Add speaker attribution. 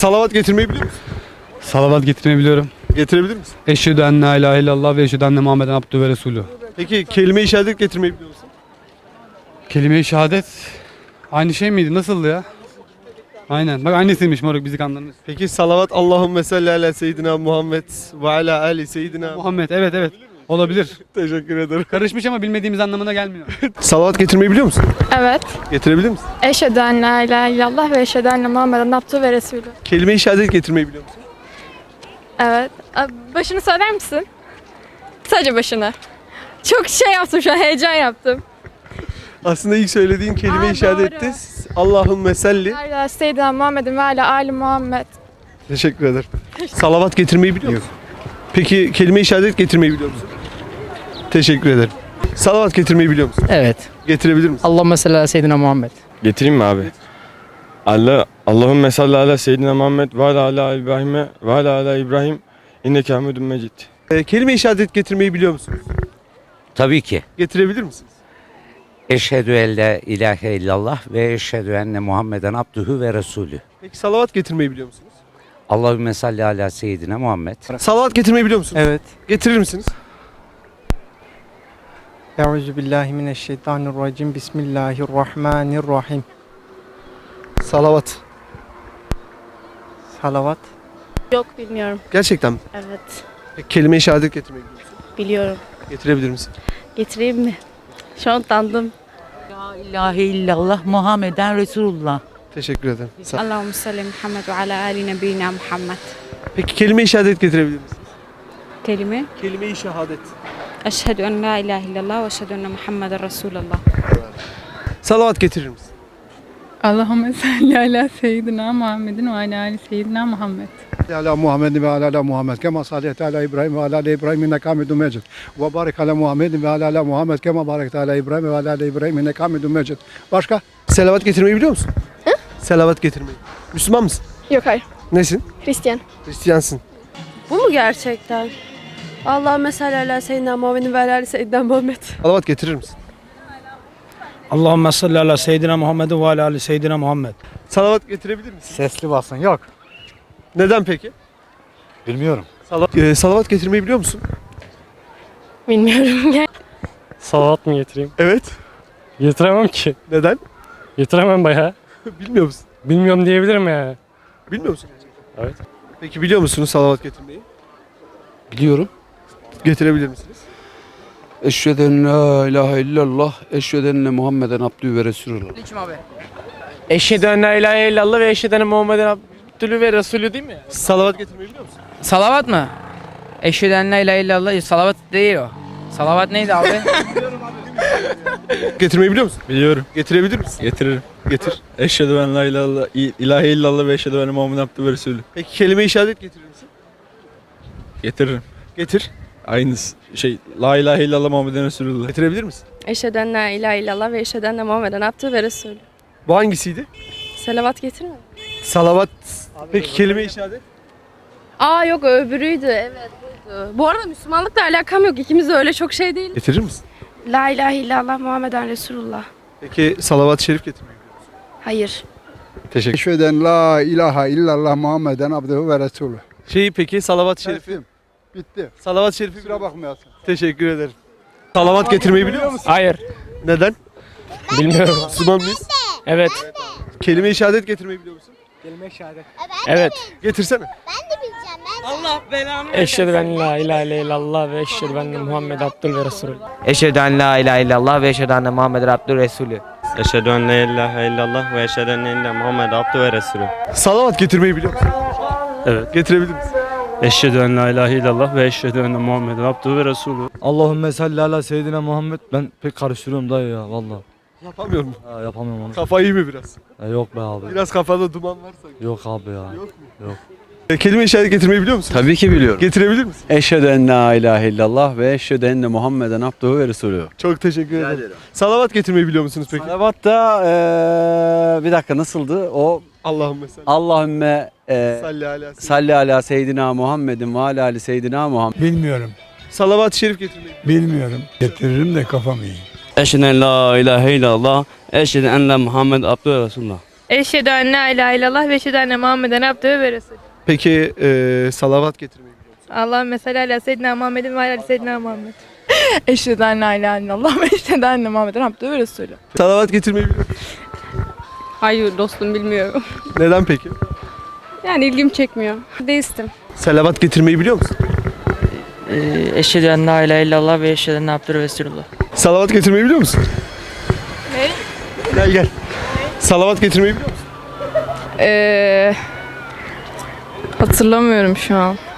Speaker 1: Salavat getirmeyi biliyor musun?
Speaker 2: Salavat getirmeyi biliyorum.
Speaker 1: Getirebilir misin?
Speaker 2: Eşhedü en la ilahe illallah ve eşhedü enne Muhammeden abdühü ve resulü.
Speaker 1: Peki kelime-i şehadet getirmeyi biliyor musun?
Speaker 2: Kelime-i şehadet aynı şey miydi? Nasıldı ya? Aynen. Bak annesiymiş moruk bizi kandırmış.
Speaker 1: Peki salavat Allahümme salli ala seyyidina Muhammed ve ala ali seyyidina
Speaker 2: Muhammed evet. Olabilir.
Speaker 1: Teşekkür ederim.
Speaker 2: Karışmış ama bilmediğimiz anlamına gelmiyor.
Speaker 1: Salavat getirmeyi biliyor musun?
Speaker 3: Evet.
Speaker 1: Getirebilir misin?
Speaker 3: Eşhedü en la ilahe illallah ve eşhedü enne Muhammeden abdühü ve resulü.
Speaker 1: Kelime-i şehadet getirmeyi biliyor musun?
Speaker 3: Evet. Başını söyler misin? Sadece başını. Çok şey yaptım şu an, heyecan yaptım.
Speaker 1: Aslında ilk söylediğin kelime-i
Speaker 3: Aa,
Speaker 1: şehadette
Speaker 3: doğru.
Speaker 1: Allahümme salli.
Speaker 3: Ala seyyidina Muhammedin ve ala ali Muhammed.
Speaker 1: Teşekkür ederim. Salavat getirmeyi biliyor musun? Peki kelime-i şehadet getirmeyi biliyor musun? Teşekkür ederim. Salavat getirmeyi biliyor musun?
Speaker 4: Evet.
Speaker 1: Getirebilir misin?
Speaker 4: Allahümme salli ala seyyidina Muhammed.
Speaker 5: Getireyim mi abi? Allahümme salli ala seyyidina Muhammed ve ala İbrahim'e ve ala İbrahim inneke hamidun mecid.
Speaker 1: Kelime-i şehadet getirmeyi biliyor musunuz?
Speaker 6: Tabii ki.
Speaker 1: Getirebilir misiniz?
Speaker 6: Eşhedü en la ilahe illallah ve eşhedü enne Muhammeden abdühü ve resulü.
Speaker 1: Peki salavat getirmeyi biliyor musunuz?
Speaker 6: Allahümme salli ala seyyidina Muhammed.
Speaker 1: Salavat getirmeyi biliyor musunuz?
Speaker 4: Evet.
Speaker 1: Getirir misiniz?
Speaker 4: Euzubillahimineşşeytanirracim. Bismillahirrahmanirrahim.
Speaker 1: Salavat.
Speaker 4: Salavat.
Speaker 7: Yok bilmiyorum.
Speaker 1: Gerçekten mi?
Speaker 7: Evet
Speaker 1: Peki kelime-i şehadet getirmeyi biliyor musun?
Speaker 7: biliyorum.
Speaker 1: Getirebilir misin?
Speaker 7: Getireyim mi? Şu an utandım.
Speaker 8: La ilahe illallah Muhammeden Resulullah.
Speaker 1: Teşekkür ederim.
Speaker 3: Allahümme salli Muhammed ve ala ali nebiyina Muhammed.
Speaker 1: Peki kelime-i şehadet getirebilir misiniz?
Speaker 3: Kelime.
Speaker 1: Kelime-i şehadet.
Speaker 3: Eşhedü en la ilahe illallah ve eşhedü enne Muhammeden Resulullah.
Speaker 1: Salavat getirir misin?
Speaker 9: Allahümme salli ala seyyidina Muhammedin ve ala ali seyyidina Muhammed.
Speaker 10: ala Muhammedin ve ala Muhammed kema sallayte ala İbrahim ve ala İbrahim inneke hamidun mecid. Ve barik ala Muhammedin ve ala Muhammed kema barekte ala İbrahim ve ala İbrahim inneke hamidun mecid. Başka?
Speaker 1: Selavat getirmeyi biliyor musun? Hı? Selavat getirmeyi. Müslüman mısın?
Speaker 3: Yok hayır.
Speaker 1: Nesin?
Speaker 3: Hristiyan.
Speaker 1: Hristiyansın.
Speaker 7: Bu mu gerçekten? Allahümme salli ala seyyidina Muhammedin ve ala seyyidina Muhammed.
Speaker 1: Salavat getirir misin?
Speaker 4: Allahümme salli ala seyyidina Muhammedin ve ala ali seyyidina Muhammed.
Speaker 1: Salavat getirebilir misin?
Speaker 4: Sesli basın. Yok.
Speaker 1: Neden peki?
Speaker 4: Bilmiyorum.
Speaker 1: Salavat getirmeyi biliyor musun?
Speaker 7: Bilmiyorum.
Speaker 2: Salavat mı getireyim?
Speaker 1: Evet.
Speaker 2: Getiremem ki.
Speaker 1: Neden?
Speaker 2: Getiremem bayağı.
Speaker 1: Bilmiyor musun?
Speaker 2: Bilmiyorum diyebilirim ya.
Speaker 1: Bilmiyor musun gerçekten?
Speaker 2: Evet.
Speaker 1: Peki biliyor musunuz salavat getirmeyi?
Speaker 11: Biliyorum.
Speaker 1: Getirebilir misiniz?
Speaker 11: Eşhedü en la ilahe illallah, eşhedü enne Muhammeden abdühü ve resulullah.
Speaker 4: Eşhedü en la ilahe illallah ve eşhedü enne Muhammeden abdülü ve resulü değil mi?
Speaker 1: Salavat getirmeyi biliyor musun?
Speaker 4: Salavat mı? Eşhedü en la ilahe illallah. Salavat değil o. Salavat neydi abi?
Speaker 1: Getirmeyi biliyor musun?
Speaker 5: Biliyorum.
Speaker 1: Getirebilir misin?
Speaker 5: Getiririm.
Speaker 1: Getir.
Speaker 5: Eşhedü en la ilahe illallah ve eşhedü enne Muhammeden abdühü ve resulü.
Speaker 1: Peki kelime-i şehadet getirir misin?
Speaker 5: Getiririm.
Speaker 1: Getir.
Speaker 5: Aynısı. La ilahe illallah Muhammeden Resulullah.
Speaker 1: Getirebilir misin?
Speaker 7: Eşhedü en la ilahe illallah ve eşhedü enne Muhammeden abdühü ve resulü.
Speaker 1: Bu hangisiydi?
Speaker 7: Selavat getirme.
Speaker 1: Salavat. Peki kelime-i şehadet?
Speaker 7: Aa yok öbürüydü. Evet buydu. Bu arada Müslümanlıkla alakam yok. İkimiz de öyle çok şey değil.
Speaker 1: Getirir misin?
Speaker 7: La ilahe illallah Muhammeden Resulullah.
Speaker 1: Peki salavat-ı şerif getirmeyi biliyor musun?
Speaker 7: Hayır.
Speaker 1: Teşekkür
Speaker 10: Eşhedü en la ilahe illallah Muhammeden abdühü ve resulü.
Speaker 1: Peki salavat-ı şerifi?
Speaker 10: Şerifim. Bitti.
Speaker 1: Salavat-ı şerifi
Speaker 10: Kusura bakmayasın.
Speaker 1: Teşekkür ederim. Salavat getirmeyi biliyor musun?
Speaker 4: Hayır.
Speaker 1: Neden?
Speaker 4: Bilmiyorum.
Speaker 1: Müslüman mıyız?
Speaker 4: Evet.
Speaker 1: Kelime-i şehadet getirmeyi biliyor musun?
Speaker 4: Evet.
Speaker 1: Getirsene.
Speaker 4: Eşhedü en la ilahe illallah ve eşhedü enne Muhammed abdül ve resulü.
Speaker 12: Eşhedü en la ilahe illallah ve eşhedü enne Muhammeden abdühü resulü.
Speaker 5: Eşhedü en la ilahe illallah ve eşhedü enne Muhammeden abdühü ve resulü.
Speaker 1: Salavat getirmeyi biliyor musun?
Speaker 2: Evet.
Speaker 1: Getirebilir misin?
Speaker 2: Eşhedü en la ilahe illallah ve eşhedü enne Muhammeden abdühü ve resulü.
Speaker 4: Allahümme salli ala seyyidina Muhammed. Ben pek karıştırıyorum dayı ya valla.
Speaker 1: Yapamıyor mu?
Speaker 4: Yapamıyorum onu.
Speaker 1: Kafa iyi mi biraz?
Speaker 4: Yok be abi.
Speaker 1: Biraz kafada duman varsa.
Speaker 4: Yok abi ya.
Speaker 1: Yok mu?
Speaker 4: Yok.
Speaker 1: Kelime-i şehadet getirmeyi biliyor musun?
Speaker 11: Tabii ki biliyorum.
Speaker 1: Getirebilir misin?
Speaker 11: Eşhedü en la ilahe illallah ve eşhedü enne Muhammeden abdühü ve resulü.
Speaker 1: Çok teşekkür ederim. Salavat getirmeyi biliyor musunuz peki?
Speaker 11: Salavat da bir dakika nasıldı? O
Speaker 1: Allahümme salli.
Speaker 11: Allahümme
Speaker 1: Salli ala.
Speaker 11: salli ala seyyidina Muhammedin ve ala ali seyyidina Muhammed.
Speaker 10: Bilmiyorum.
Speaker 1: Salavat-ı şerif getirmeyi.
Speaker 10: Bilmiyorum. Getiririm de kafam iyi.
Speaker 12: Eşhedü en la ilahe illallah, eşhedü enne Muhammed abdühü ve resulullah.
Speaker 3: Eşhedü en la ilahe illallah ve eşhedü enne Muhammeden abdühü ve resulü.
Speaker 1: Peki salavat getirmeyi biliyor musun?
Speaker 3: Allahümme salli ala seyyidina Muhammedin ve ala seyyidina Muhammed.
Speaker 9: Eşhedü en la ilahe illallah ve eşhedü enne Muhammeden abdühü ve resulü.
Speaker 1: Salavat getirmeyi biliyor musun?
Speaker 7: Hayır dostum bilmiyorum.
Speaker 1: Neden peki?
Speaker 7: Yani ilgim çekmiyor. Deistim.
Speaker 1: Salavat getirmeyi biliyor musun?
Speaker 12: Eşhedü en la ilahe illallah ve eşhedü enne abdühü Resulullah.
Speaker 1: Salavat getirmeyi biliyor musun? Gel. Salavat getirmeyi biliyor musun?
Speaker 7: Hatırlamıyorum şu an.